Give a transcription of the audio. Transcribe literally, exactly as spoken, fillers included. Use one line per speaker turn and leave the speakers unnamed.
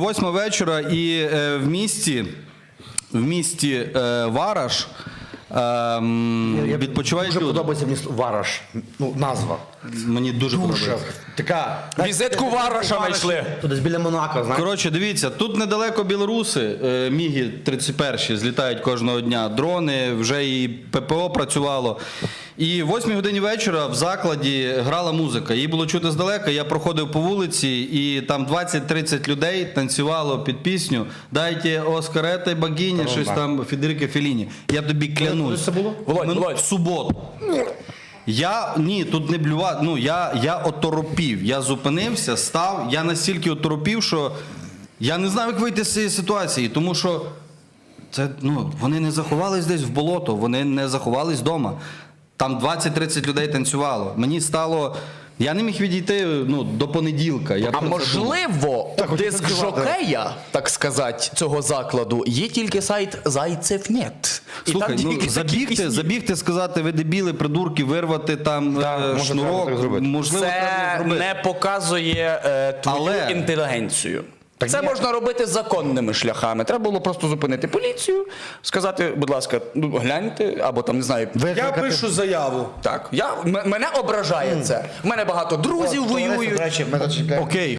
восьма вечора і е, в місті, в місті е, Вараш ем,
Я-
відпочивають
Дуже
люди.
подобається мені Вараш, ну, назва.
Мені дуже,
Дуже.
подобається.
Така...
Візитку Вараша знайшли.
Тут десь біля Монако, знаєш.
Коротше, дивіться, тут недалеко білоруси, е, Міги тридцять перші злітають кожного дня, дрони, вже і ППО працювало. І в восьмій годині вечора в закладі грала музика. Її було чути здалека, я проходив по вулиці, і там двадцять-тридцять людей танцювало під пісню «Дайте Оскарети богині», щось там Федерико Фелліні. Я тобі клянусь.
Це було?
Володь,
Мин-
Володь.
В суботу. Я, ні, тут не блював, ну, я, я оторопів, я зупинився, став, я настільки оторопів, що я не знав, як вийти з цієї ситуації, тому що це, ну, вони не заховались десь в болото, вони не заховались вдома. Там двадцять-тридцять людей танцювало. Мені стало, я не міг відійти, ну, до понеділка. Я
А
про це думав.
можливо, диск жокея, так сказати, цього закладу, є тільки сайт Зайцев.нет. І
Слухай,
там
ну,
тільки такі
забігти,
пісні.
забігти, сказати, ви дебіли, придурки, вирвати там
Так,
е,
може, треба
шнурок,
так зробити.
можливо, треба
Це
зробити.
не показує е, твою
Але-
інтелігенцію.
Так
Це
ні.
можна робити законними шляхами. Треба було просто зупинити поліцію, сказати, будь ласка, ну гляньте, або там не знаю.
Я пишу заяву.
Так, я м- мене ображає це. У мене багато друзів воюють.
До речі, ми зачекаємо.
Окей.